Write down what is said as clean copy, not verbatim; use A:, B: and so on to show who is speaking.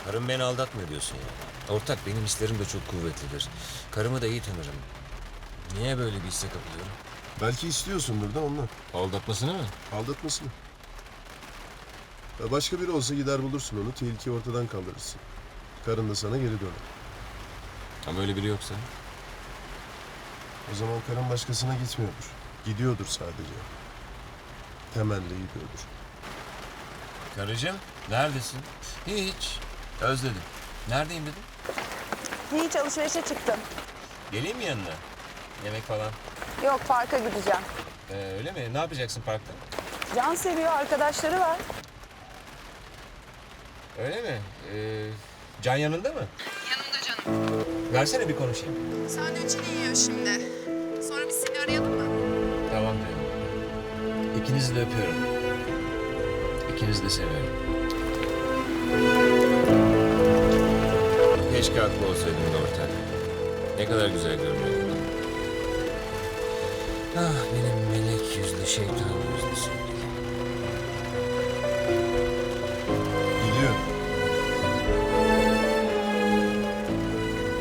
A: Karım beni aldatmıyor diyorsun ya. Ortak, benim hislerim de çok kuvvetlidir. Karımı da iyi tanırım. Niye böyle bir hisse kapılıyorum?
B: Belki istiyorsundur da ondan.
A: Aldatmasını mı?
B: Aldatmasını. Ya başka biri olsa gider bulursun onu, tehlikeyi ortadan kaldırırsın. Karın da sana geri döner.
A: Ama öyle biri yoksa.
B: O zaman karın başkasına gitmiyordur. Gidiyordur sadece. Temelli gidiyordur.
A: Karıcığım, neredesin? Hiç. Özledim. Neredeyim dedim.
C: Hiç alışverişe çıktım.
A: Geleyim mi yanına? Yemek falan.
C: Yok parka gideceğim.
A: Öyle mi? Ne yapacaksın parkta?
C: Can seviyor arkadaşları var.
A: Öyle mi? Can yanında mı?
C: Yanımda canım.
A: Versene bir konuşayım.
C: Sandviçini yiyor şimdi. Sonra biz seni arayalım mı?
A: Tamam diyorum. İkinizi de öpüyorum. İkinizi de seviyorum. Keşke haklı olsaydın da ortak. Ne kadar güzel görünüyordu. Ah, benim melek yüzlü şeytan.